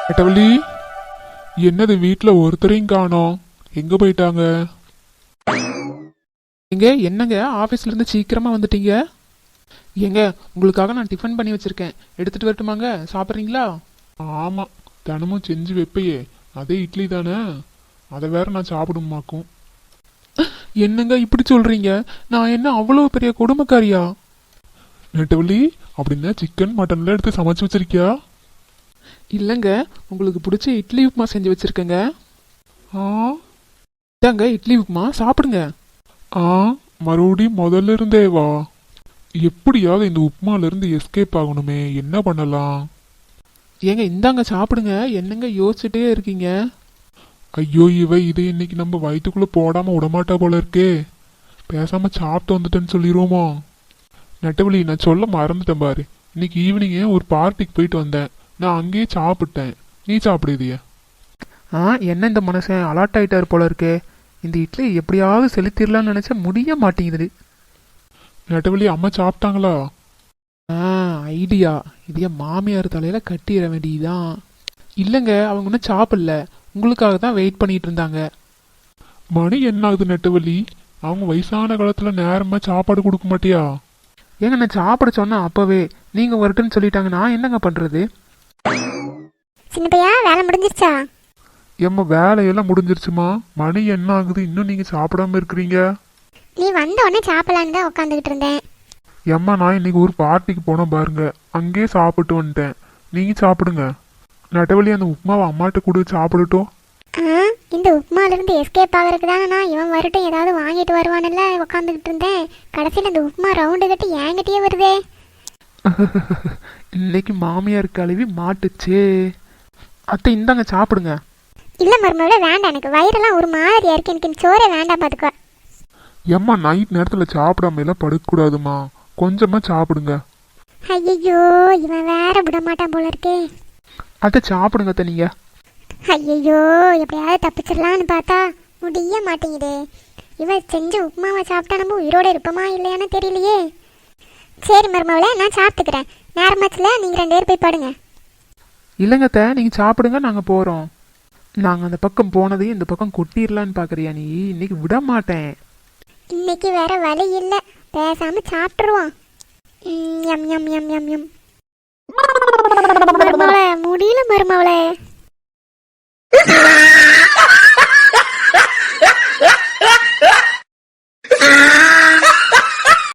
நெட்டவள்ளி, என்னது வீட்டுல ஒருத்தரையும் காணோம்? எங்க போயிட்டாங்க? எங்க என்னங்க ஆஃபீஸ்ல இருந்து சீக்கிரமா வந்துட்டீங்க? ஏங்க உங்களுக்காக நான் டிஃபன் பண்ணி வச்சிருக்கேன், எடுத்துட்டு வரட்டுமாங்க? சாப்பிட்றீங்களா? ஆமா, தினமும் செஞ்சு வைப்பையே, அதே இட்லி தானே, அதை வேற நான் சாப்பிடுமாக்கும். என்னங்க இப்படி சொல்றீங்க? நான் என்ன அவ்வளோ பெரிய கொடுமைக்காரியா? நெட்டவள்ளி, அப்படின்னா சிக்கன் மட்டன்லாம் எடுத்து சமைச்சு வச்சிருக்கியா? இல்லைங்க, உங்களுக்கு பிடிச்ச இட்லி உப்புமா செஞ்சு வச்சிருக்கேங்க. ஆ இதாங்க இட்லி உப்புமா, சாப்பிடுங்க. ஆ மறுபடியும் முதல்ல இருந்தே வா. எப்படியாவது இந்த உப்புமால இருந்து எஸ்கேப் ஆகணுமே, என்ன பண்ணலாம்? ஏங்க இந்தாங்க சாப்பிடுங்க, என்னங்க யோசிச்சுட்டே இருக்கீங்க? ஐயோ, இதை இன்னைக்கு நம்ம வயிற்றுக்குள்ள போடாம விடமாட்டா போல இருக்கே. பேசாம சாப்பிட்டு வந்துட்டேன்னு சொல்லிடுவோமா? நெட்டவழி, நான் சொல்ல மறந்துட்டேன் பாரு. இன்னைக்கு ஈவினிங்கே ஒரு பார்ட்டிக்கு போயிட்டு வந்தேன், நான் அங்கேயே சாப்பிட்டேன். நீ சாப்பிடுதியா? என்ன இந்த மனுஷன் அலாட் ஆயிட்டாரு போல இருக்கே. இந்த இட்லி எப்படியாவது செலுத்திடலாம்னு நினைச்சா முடிய மாட்டேங்குது. நெட்டவழி, அம்மா சாப்பிட்டாங்களா? ஐடியா, இதைய மாமியார் தலையில கட்டிட வேண்டியதுதான். இல்லைங்க, அவங்க ஒன்றும் சாப்பிடல, உங்களுக்காக தான் வெயிட் பண்ணிட்டு இருந்தாங்க. மணி என்ன ஆகுது நெட்டவழி? அவங்க வயசான காலத்துல நேரமா சாப்பாடு கொடுக்க மாட்டியா? ஏங்க நான் சாப்பிட சொன்னா அப்பவே நீங்க வரட்டுன்னு சொல்லிட்டாங்க, நான் என்னங்க பண்றது? சின்ன பையா, வேலை முடிஞ்சிருச்சா? ஏம்மா, வேலையெல்லாம் முடிஞ்சிருச்சுமா. மணி என்ன ஆகுது, இன்னும் நீங்க சாப்பிடாம இருக்கிறீங்க? நீ வந்த உடனே சாப்பிடலான்னு தான் உட்காந்துக்கிட்டு இருந்தேன். ஏம்மா, நான் இன்னைக்கு ஒரு பார்ட்டிக்கு போனேன் பாருங்க, அங்கேயே சாப்பிட்டு வந்துட்டேன். நீங்க சாப்பிடுங்க. நெட்டவழி, அந்த உப்புமாவை அம்மாட்ட கூட சாப்பிடட்டும். இந்த உப்புமாலிருந்து எஸ்கேப் ஆகிறதுக்கு தானே நான் இவன் வரட்டும் ஏதாவது வாங்கிட்டு வருவான்ல உட்காந்துக்கிட்டு இருந்தேன். கடைசியில் இந்த உப்புமா ரவுண்டு கட்டி என்கிட்டயே வருதே. இன்னைக்கு மாமியார் கழுவி மாட்டுச்சே. அத்தை இந்தாங்க சாப்பிடுங்க. இல்லை மருமகளே, வேண்டாம், எனக்கு வயிறெல்லாம் ஒரு மாதிரியா இருக்கு, எனக்கு சோறே வேண்டாம் பார்த்துக்கோ. ஏம்மா, நைட் நேரத்துல சாப்பிடாம எல்லாம் படுக்கக்கூடாதுமா, கொஞ்சமா சாப்பிடுங்க. ஐயோ, இவன் வேற விட மாட்டான் போல இருக்கே. அத்தை சாப்பிடுங்க அத்தை நீங்க. ஐயோ, எப்படியாவது தப்பிச்சிடலான்னு பார்த்தா முடிய மாட்டேங்குதே. இவன் செஞ்ச உப்புமாவை சாப்பிட்டா நம்ம உயிரோட இருப்போமா இல்லையான்னு தெரியலையே. சரி மருமகளே, நான் சாப்பிட்டுக்கிறேன். நேரமாச்சுல நீங்கள் 2 பேர் போய் பாடுங்க. இல்லைங்க அத்தை, நீங்க சாப்பிடுங்க, நாங்க போறோம். நாங்க அந்த பக்கம் போனதையும் இந்த பக்கம் கொட்டிடலான்னு பாக்குறியா நீ? இன்னைக்கு விட மாட்டேன். இன்னைக்கு வேற வழி இல்லை, பேசாம சாப்பிட்டுருவோம். எம் எம் எம் எம் எம். மருமவளே, முடியல மருமவளே.